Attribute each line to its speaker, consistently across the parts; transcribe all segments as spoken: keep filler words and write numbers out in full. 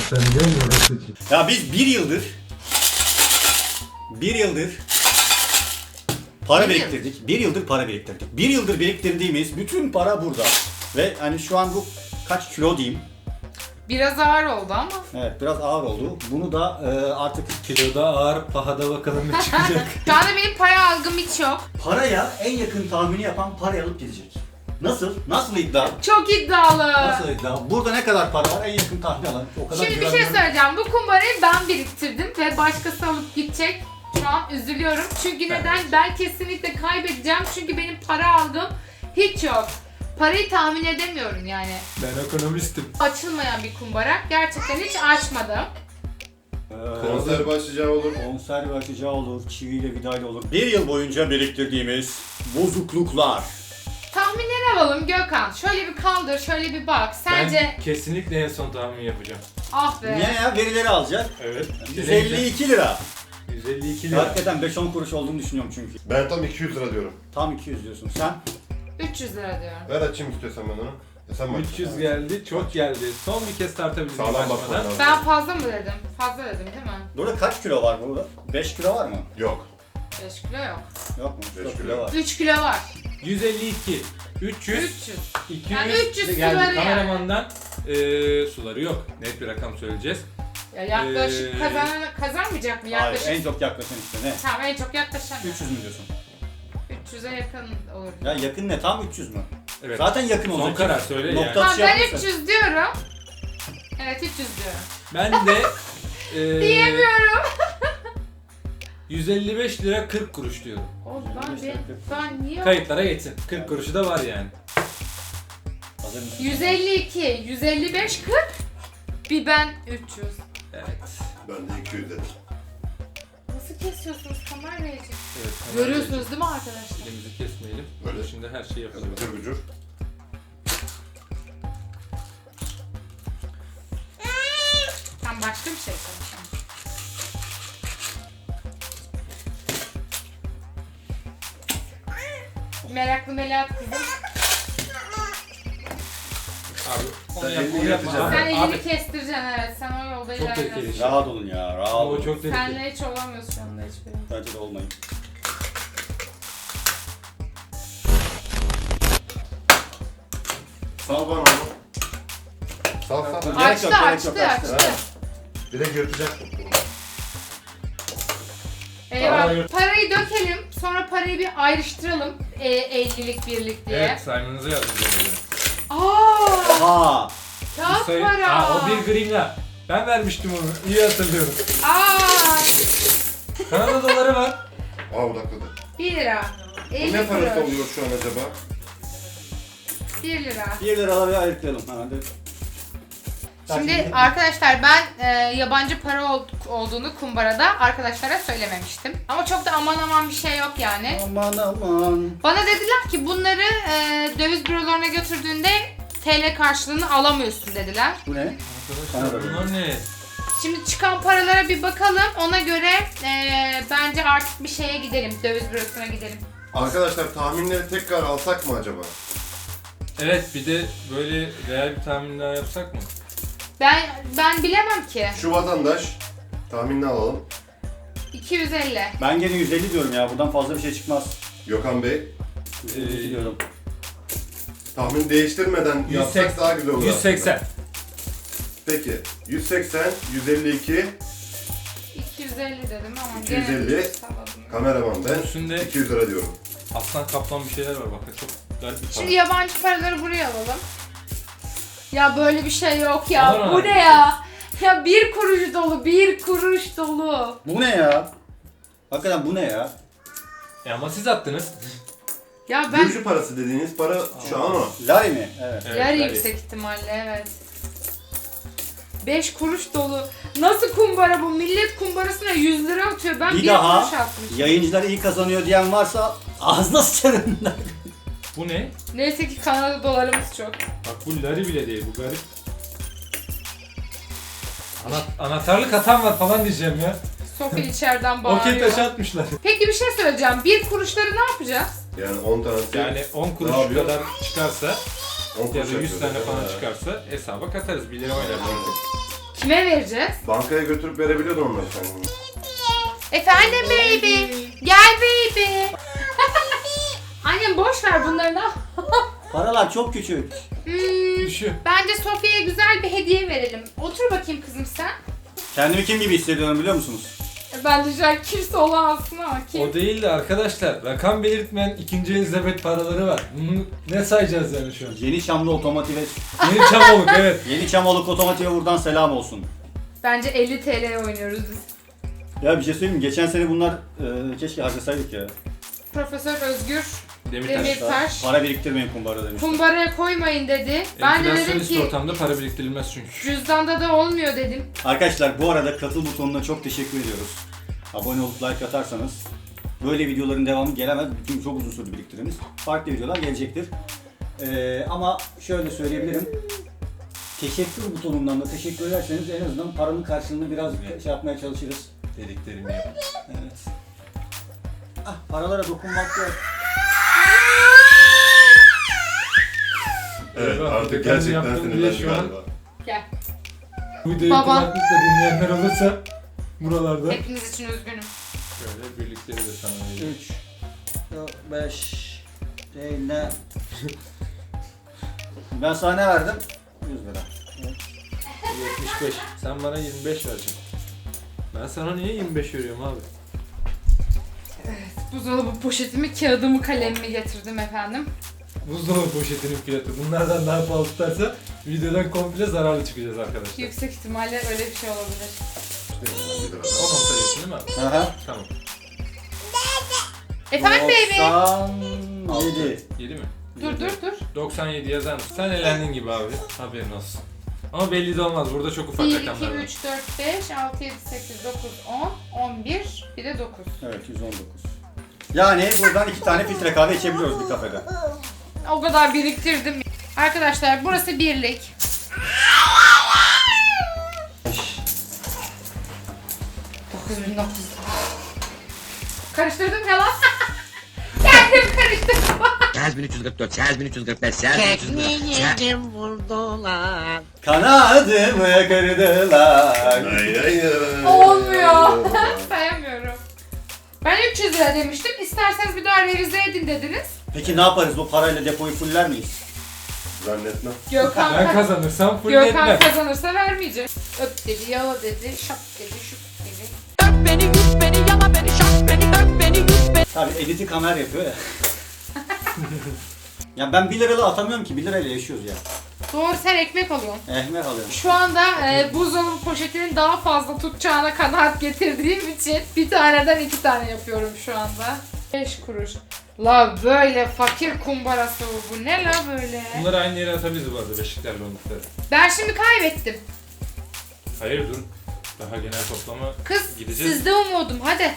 Speaker 1: göstereceğim ya da seçeyim.
Speaker 2: Ya biz bir yıldır bir yıldır para
Speaker 3: Bir
Speaker 2: biriktirdik. Bir yıldır para biriktirdik. Bir yıldır biriktirdiğimiz bütün para burada. Ve hani şu an bu kaç kilo diyeyim.
Speaker 3: Biraz ağır oldu ama.
Speaker 2: Evet biraz ağır oldu. Bunu da e, artık
Speaker 1: Kiloda ağır, pahada bakalım ne çıkacak.
Speaker 3: Şu anda benim para algım hiç yok.
Speaker 2: paraya en yakın tahmini yapan parayı alıp gidecek. Nasıl? Nasıl iddia?
Speaker 3: Çok iddialı.
Speaker 2: Nasıl iddia? Burada ne kadar para var en yakın tahmin alan. O kadar
Speaker 3: Şimdi bir şey
Speaker 2: güvenmiyorum.
Speaker 3: söyleyeceğim. Bu kumbarayı ben biriktirdim ve başkası alıp gidecek. Şu an üzülüyorum. Çünkü neden? Ben kesinlikle kaybedeceğim. Çünkü benim para algım hiç yok. Parayı tahmin edemiyorum yani.
Speaker 1: Ben ekonomistim.
Speaker 3: Açılmayan bir kumbara. Gerçekten hiç açmadım.
Speaker 2: Ee,
Speaker 4: Konser başlayacağı olur.
Speaker 2: Konserve açacağı olur, çiviyle vidayla olur. Bir yıl boyunca biriktirdiğimiz bozukluklar.
Speaker 3: Tahminleri alalım Gökhan. Şöyle bir kaldır, şöyle bir bak. Sence...
Speaker 1: Ben kesinlikle en son tahmin yapacağım.
Speaker 3: Ah be.
Speaker 2: Niye ya? Verileri alacak.
Speaker 1: Evet.
Speaker 2: yüz elli iki lira.
Speaker 1: yüz elli iki lira.
Speaker 2: Hakikaten beş on kuruş olduğunu düşünüyorum çünkü.
Speaker 4: Ben tam iki yüz lira diyorum.
Speaker 2: Tam iki yüz diyorsun. Sen?
Speaker 3: üç yüz lira diyorum.
Speaker 4: Ver açayım istiyorsan ben onu. Ya sen bak.
Speaker 1: üç yüz geldi, çok geldi. Son bir kez tartabilirim
Speaker 4: Sağlam bakman
Speaker 1: başlamadan.
Speaker 4: lazım.
Speaker 3: Ben fazla mı dedim? Fazla dedim değil mi?
Speaker 2: Burada kaç kilo var burada? beş kilo var mı?
Speaker 4: Yok.
Speaker 3: beş kilo yok.
Speaker 2: Yok mu?
Speaker 4: Beş
Speaker 2: dört
Speaker 4: kilo.
Speaker 2: kilo var.
Speaker 3: üç kilo var.
Speaker 1: yüz elli iki, üç yüz,
Speaker 3: üç yüz.
Speaker 1: iki yüz,
Speaker 3: Yani üç yüz
Speaker 1: geldi.
Speaker 3: suları yani.
Speaker 1: Kameramandan eee, suları yok. Net bir rakam söyleyeceğiz.
Speaker 3: Ya yaklaşık
Speaker 1: Ee,
Speaker 3: kazan kazanmayacak mı?
Speaker 2: Hayır,
Speaker 3: Yaklaşık.
Speaker 2: en çok yaklaşan işte ne?
Speaker 3: Tamam en çok yaklaşan.
Speaker 2: üç yüz mü diyorsun?
Speaker 3: üç yüze yakın olur.
Speaker 2: Ya yakın ne? Tam üç yüz mü?
Speaker 1: Evet.
Speaker 2: Zaten yakın
Speaker 1: Son
Speaker 2: olacak.
Speaker 1: karar söyle
Speaker 2: Nokta
Speaker 1: yani.
Speaker 3: Tamam
Speaker 2: atışı
Speaker 3: ben
Speaker 2: yapmışsın.
Speaker 3: üç yüz diyorum. Evet üç yüz diyorum.
Speaker 1: Ben de eee
Speaker 3: Diyemiyorum.
Speaker 1: yüz elli beş lira kırk kuruş diyorum.
Speaker 3: Oğlum ben, ben, ben niye?
Speaker 1: Kayıtlara geçsin. kırk kuruşu da var yani.
Speaker 2: Hazır mısın?
Speaker 3: yüz elli iki, yüz elli beş, kırk. Bir ben üç yüz.
Speaker 1: Evet.
Speaker 4: Ben de iki yüz dedim.
Speaker 3: Nasıl kesiyorsunuz kamerayı?
Speaker 1: Evet.
Speaker 3: Görüyorsunuz değil mi arkadaşlar?
Speaker 1: Elimizi kesmeyelim.
Speaker 4: Böyle.
Speaker 1: Böyle şimdi her şey yapılıyor.
Speaker 4: Gıcır gıcır.
Speaker 3: Tam başka bir şey konuşalım. Meraklı Melahat kızım.
Speaker 1: Abi onu
Speaker 4: Sen
Speaker 1: yap,
Speaker 4: elini
Speaker 1: onu yapma.
Speaker 4: yırtacaksın.
Speaker 1: Abi,
Speaker 3: Sen elini
Speaker 1: abi.
Speaker 3: kestireceksin evet. Sen o yolda
Speaker 1: Çok tehlikeli
Speaker 3: ilerliyorsun.
Speaker 1: şey.
Speaker 2: Rahat olun ya, rahat
Speaker 1: Ama
Speaker 2: olun.
Speaker 1: o çok tehlikeli.
Speaker 3: Senle hiç olamıyorsun şu anda hiçbiri.
Speaker 2: Bence de olmayın.
Speaker 4: Sal bana onu. Sal sal.
Speaker 2: Gerek
Speaker 3: Açtı
Speaker 2: yok, gerek
Speaker 3: açtı
Speaker 2: yok, açtı.
Speaker 3: açtı.
Speaker 4: Direkt yırtacaksın.
Speaker 3: Eyvah.
Speaker 1: Para yurt-
Speaker 3: Parayı dökelim. Sonra parayı bir ayrıştıralım. E, ellilik birlik diye.
Speaker 1: Evet, saymanızı yazdım böyle.
Speaker 3: Aa!
Speaker 2: Ha,
Speaker 3: Kağıt
Speaker 1: Sayı-
Speaker 3: para.
Speaker 1: Aa, o bir gringa. Ben vermiştim onu. İyi hatırlıyorum.
Speaker 3: Aa!
Speaker 1: Kanada doları var.
Speaker 4: Aa odakladı.
Speaker 3: bir lira.
Speaker 4: Bu
Speaker 3: elli
Speaker 4: ne parası
Speaker 3: kuruş.
Speaker 4: oluyor şu an acaba?
Speaker 3: bir lira.
Speaker 2: bir liraları ayırtlayalım hemen de.
Speaker 3: Şimdi arkadaşlar ben e, yabancı para ol- olduğunu kumbarada arkadaşlara söylememiştim. Ama çok da aman aman bir şey yok yani.
Speaker 2: Aman aman.
Speaker 3: Bana dediler ki bunları e, döviz bürolarına götürdüğünde T L karşılığını alamıyorsun dediler.
Speaker 2: Bu ne?
Speaker 1: Arkadaşlar
Speaker 2: Kanada
Speaker 1: bunlar ne?
Speaker 3: Şimdi çıkan paralara bir bakalım. Ona göre e, bence artık bir şeye gidelim. Döviz bürosuna gidelim.
Speaker 4: Arkadaşlar tahminleri tekrar alsak mı acaba?
Speaker 1: Evet, bir de böyle real bir tahmin daha yapsak mı?
Speaker 3: Ben ben bilemem ki.
Speaker 4: Şu vatandaş tahminini alalım.
Speaker 3: iki yüz elli.
Speaker 2: Ben gene yüz elli diyorum ya. Buradan fazla bir şey çıkmaz.
Speaker 4: Gökhan Bey.
Speaker 2: yüz elli iki
Speaker 1: Ee,
Speaker 2: diyorum.
Speaker 4: Tahmin değiştirmeden
Speaker 1: yüz
Speaker 4: yapsak
Speaker 1: seksen.
Speaker 4: daha güzel olur.
Speaker 1: yüz seksen.
Speaker 4: aslında. Peki. yüz seksen, yüz elli iki,
Speaker 3: iki yüz elli dedim ama
Speaker 4: iki yüz elli.
Speaker 3: gene salladım.
Speaker 4: kameraman ben.
Speaker 1: Üstünde
Speaker 4: iki yüz lira diyorum.
Speaker 1: aslan kaplan bir şeyler var bakın, çok garip bir para.
Speaker 3: Şimdi yabancı paraları buraya alalım. Ya böyle bir şey yok ya.
Speaker 1: Alalım
Speaker 3: Bu
Speaker 1: abi.
Speaker 3: ne ya? Ya bir kuruş dolu, bir kuruş dolu.
Speaker 2: Bu ne ya? Hakikaten bu ne ya?
Speaker 1: E ama siz attınız.
Speaker 3: Ya ben
Speaker 4: Gürcü parası dediğiniz para şu an o.
Speaker 2: Lari mi? Evet.
Speaker 1: Evet,
Speaker 3: yarı
Speaker 1: gayet.
Speaker 3: yüksek ihtimalle evet. beş kuruş dolu. Nasıl kumbara bu? Millet kumbarasına yüz lira atıyor. Ben bir,
Speaker 2: Bir daha
Speaker 3: kuruş atmışım.
Speaker 2: yayıncılar iyi kazanıyor diyen varsa ağzına sıçarım.
Speaker 1: Bu ne?
Speaker 3: Neyse ki Kanada dolarımız çok.
Speaker 1: Bak bu lari bile değil, bu garip. Ana, anahtarlık atan var falan diyeceğim ya.
Speaker 3: Sofi içeriden
Speaker 1: Okey
Speaker 3: bağırıyor.
Speaker 1: taşı atmışlar.
Speaker 3: Peki bir şey söyleyeceğim. Bir kuruşları ne yapacağız?
Speaker 4: Yani on tanesi.
Speaker 1: Yani on kuruş
Speaker 4: Ne yapıyor?
Speaker 1: kadar çıkarsa
Speaker 4: on
Speaker 1: ya
Speaker 4: kuruş
Speaker 1: da yüz
Speaker 4: yapıyor.
Speaker 1: tane falan
Speaker 4: Ha.
Speaker 1: çıkarsa hesaba katarız. bir lira oynar.
Speaker 3: Kime vereceğiz?
Speaker 4: Bankaya götürüp verebiliyordun onları sen.
Speaker 3: Efendim baby. Gel baby. Annem boş ver bunları.
Speaker 2: Paralar çok küçük.
Speaker 3: Hmm,
Speaker 1: Düşün.
Speaker 3: bence Sofya'ya güzel bir hediye verelim. Otur bakayım kızım sen.
Speaker 2: Kendimi kim gibi hissediyorum biliyor musunuz?
Speaker 3: Ben de şu an kimse olamazsın ama kim?
Speaker 1: O değil de arkadaşlar rakam belirtmeyen ikinci Elizabeth paraları var. Bunu ne sayacağız yani şu an?
Speaker 2: Yeni Çamlı Otomotiv'e,
Speaker 1: Yeni Çamoluk evet.
Speaker 2: Yeni Çamoluk Otomotiv'e buradan selam olsun.
Speaker 3: Bence elli T L oynuyoruz biz.
Speaker 2: Ya bir şey söyleyeyim mi? Geçen sene bunlar e, keşke harcasaydık ya.
Speaker 3: Profesör Özgür
Speaker 1: Demirtaş.
Speaker 3: Demirtaş
Speaker 2: Para biriktirmeyin kumbara demiş.
Speaker 3: kumbaraya koymayın dedi. Ben de dedim
Speaker 1: Enflasyonist
Speaker 3: ki
Speaker 1: ortamda para biriktirilmez çünkü.
Speaker 3: cüzdanda da olmuyor dedim.
Speaker 2: Arkadaşlar bu arada katıl butonuna çok teşekkür ediyoruz. Abone olup like atarsanız böyle videoların devamı gelemez. Çünkü çok uzun süre biriktiriniz. Farklı videolar gelecektir. Ee, ama şöyle söyleyebilirim. Teşekkür butonundan da teşekkür ederseniz en azından paranın karşılığını biraz şey yapmaya çalışırız.
Speaker 1: Dediklerimi yap.
Speaker 2: Evet. Ah, paralara dokunmak yok.
Speaker 4: Evet
Speaker 1: Eyvah,
Speaker 4: artık
Speaker 1: kendi
Speaker 4: gerçekten
Speaker 1: yaptığım bile
Speaker 4: sinirlendi
Speaker 1: şu an-
Speaker 4: galiba.
Speaker 3: Gel.
Speaker 1: Bu videoyu
Speaker 3: Baba.
Speaker 1: kulaklıkla dinleyenler olursa buralarda.
Speaker 3: Hepiniz için üzgünüm.
Speaker 1: Şöyle birlikleri de sana vereyim.
Speaker 2: üç, beş, ne? Ben sana ne verdim? yüz lira.
Speaker 1: yetmiş beş. Sen bana yirmi beş vereceksin. Ben sana niye yirmi beş veriyorum abi?
Speaker 3: Buzdolabı poşetimi, kağıdımı, kalemimi getirdim efendim.
Speaker 1: Buzdolabı poşetinin fiyatı. Bunlardan daha pahalı tutarsa videodan komple zararlı çıkacağız arkadaşlar.
Speaker 3: Yüksek ihtimalle öyle bir şey olabilir.
Speaker 1: on on sayıyorsun değil mi abi?
Speaker 2: Aha.
Speaker 1: Tamam.
Speaker 3: Efendim baby.
Speaker 2: doksan yedi.
Speaker 1: yedi mi?
Speaker 3: Dur dur dur.
Speaker 1: doksan yedi yazar mısın? Sen elendin gibi abi. Haberin olsun. Ama belli de olmaz. Burada çok ufak
Speaker 3: bir, iki,
Speaker 1: rakamlar var.
Speaker 3: üç, dört, beş, altı, yedi, sekiz, dokuz, on, on bir, bir de dokuz.
Speaker 2: Evet yüz on dokuz. Yani buradan iki tane filtre kahve içebiliyoruz bir kafede.
Speaker 3: O kadar biriktirdim. Arkadaşlar burası birlik. dokuz bin dokuz yüz. Karıştırdım ya lan. Kendim karıştırdım.
Speaker 5: sekiz bin üç yüz kırk dört, sekiz bin üç yüz kırk beş, sekiz bin üç yüz kırk dört.
Speaker 6: Tekneyi vurdular.
Speaker 2: Kanadımı kırdılar.
Speaker 4: Ay ay ay.
Speaker 3: Olmuyor. Sayamıyorum. Ben üç yüz lira demiştim. İsterseniz bir daha revize edin dediniz.
Speaker 2: Peki ne yaparız? Bu parayla depoyu fuller miyiz?
Speaker 4: Zannetmem.
Speaker 3: Gökhan,
Speaker 1: Ben kazanırsam full
Speaker 3: Gökhan
Speaker 1: etmem.
Speaker 3: kazanırsa vermeyecek. Öp dedi, yala dedi, şap dedi, şup dedi.
Speaker 6: Öp beni, yut beni, yala beni, şap beni, öp beni, yut beni.
Speaker 2: Tabii editi kamer yapıyor ya. Ya ben bir liralı atamıyorum ki. bir lirayla yaşıyoruz ya.
Speaker 3: Doğru, sen ekmek alıyorsun.
Speaker 2: Ehmer alıyorum.
Speaker 3: Şu anda e, buzdolabı poşetinin daha fazla tutacağına kanaat getirdiğim için bir taneden iki tane yapıyorum şu anda. beş kuruş. La böyle fakir kumbarası bu. Bu ne la böyle?
Speaker 1: Bunları aynı yere atabiliriz bu arada beşiklerle oldukları.
Speaker 3: Ben şimdi kaybettim.
Speaker 1: Hayır dur. Daha genel toplama
Speaker 3: Kız
Speaker 1: gideceğiz.
Speaker 3: sizde umudum, hadi.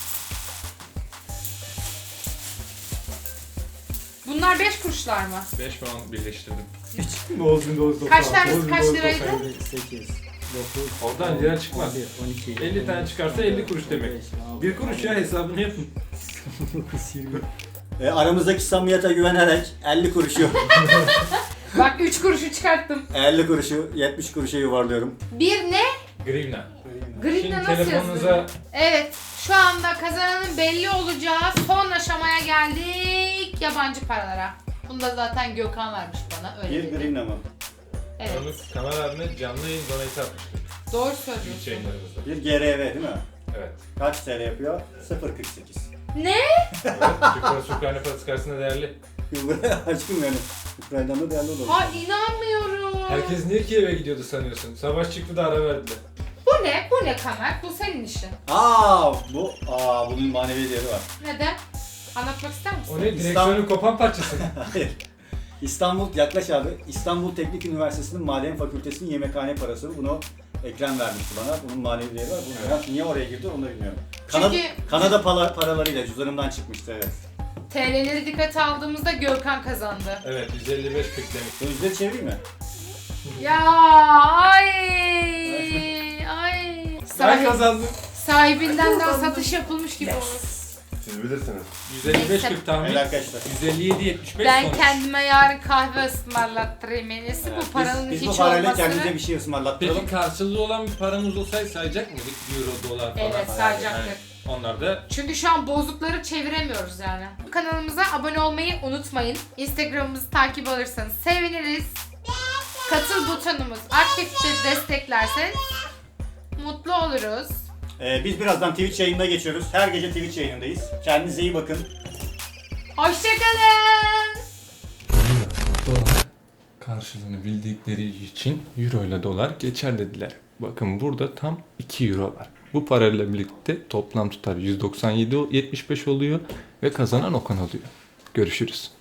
Speaker 3: Bunlar beş kuruşlar mı?
Speaker 1: beş puan birleştirdim.
Speaker 3: Kaç tanesi kaç liraydı?
Speaker 7: sekiz, dokuz,
Speaker 1: Oradan lira çıkmaz.
Speaker 7: on bir, on iki,
Speaker 1: elli tane çıkarsa elli kuruş demek. Bir kuruş ya, hesabını yapın.
Speaker 7: yirmi.
Speaker 2: E, aramızdaki samimiyete güvenerek elli kuruşu,
Speaker 3: Bak üç kuruşu çıkarttım.
Speaker 2: elli kuruşu yetmiş kuruşa yuvarlıyorum.
Speaker 3: Bir ne?
Speaker 1: Grivna.
Speaker 3: Green'de
Speaker 1: Şimdi
Speaker 3: nasıl
Speaker 1: telefonunuza
Speaker 3: yazılıyor? Evet, şu anda kazananın belli olacağı son aşamaya geldik. Yabancı paralara. Bunu da zaten Gökhan vermiş bana, öyle
Speaker 2: Bir
Speaker 3: dedi.
Speaker 2: green ama.
Speaker 3: Evet,
Speaker 1: onu Kamer abime canlı yayın donate atmıştık.
Speaker 3: doğru
Speaker 1: Twitch
Speaker 3: söylüyorsun.
Speaker 1: yayınlarımızda.
Speaker 2: Bir G R V değil mi?
Speaker 1: Evet.
Speaker 2: Kaç T L yapıyor? sıfır virgül kırk sekiz.
Speaker 3: Ne?
Speaker 1: Evet. Türk parası Ukrayna parası karşısında değerli.
Speaker 2: Aşkım yani. Ukrayna'dan da değerli olur.
Speaker 3: Ha inanmıyorum.
Speaker 1: Herkes niye Kiev'e gidiyordu sanıyorsun? Savaş çıktı da ara verdiler.
Speaker 3: Bu ne? Bu ne Kamer? Bu senin işin.
Speaker 2: Aa bu aa bunun manevi değeri var.
Speaker 3: Neden? Anlatmak ister misin?
Speaker 1: O ne? Direksiyonun kopan parçası.
Speaker 2: Hayır. İstanbul yaklaş abi. İstanbul Teknik Üniversitesi'nin Maden Fakültesi'nin yemekhane parası. Bunu Ekrem vermişti bana. Bunun manevi değeri var. Bunu evet. Niye oraya girdi onu da bilmiyorum. Kanada,
Speaker 3: Çünkü-
Speaker 2: Kanada para, paralarıyla cüzdanımdan çıkmıştı evet.
Speaker 3: T L'leri dikkate aldığımızda Gökhan kazandı.
Speaker 1: Evet, yüz elli beş kırk demek.
Speaker 2: Sözleri çevireyim mi?
Speaker 3: Ya ay ay.
Speaker 1: Ben
Speaker 3: Sahip,
Speaker 1: kazandım.
Speaker 3: sahibinden daha satış yapılmış gibi olur.
Speaker 4: Siz bilirsiniz.
Speaker 1: yüz elli beş kırk tahmin.
Speaker 2: Evet arkadaşlar.
Speaker 1: yüz elli yedi yetmiş beş
Speaker 3: Ben
Speaker 1: sonuç.
Speaker 3: kendime yarın kahve ısmarlattırayım en iyisi.
Speaker 2: Evet,
Speaker 3: Bu paranın
Speaker 2: biz, biz
Speaker 3: hiç
Speaker 2: bu parayla
Speaker 3: olmasını...
Speaker 2: kendimize bir şey ısmarlattıralım.
Speaker 1: Peki karşılığı olan bir paramız olsaydı sayacak mıydık? Euro, dolar falan.
Speaker 3: Evet, sayacaktır.
Speaker 1: Yani onlar da
Speaker 3: Çünkü şu an bozukları çeviremiyoruz yani. Kanalımıza abone olmayı unutmayın. Instagram'ımızı takip alırsanız seviniriz. Katıl butonumuz aktiftir, desteklerseniz mutlu oluruz.
Speaker 2: Ee, biz birazdan Twitch yayınına geçiyoruz. Her gece Twitch yayınındayız. Kendinize iyi bakın.
Speaker 3: Hoşçakalın.
Speaker 1: dolar karşılığını bildikleri için euro ile dolar geçer dediler. Bakın burada tam iki euro var. Bu parayla birlikte toplam tutar yüz doksan yedi yetmiş beş oluyor ve kazanan Okan oluyor. Görüşürüz.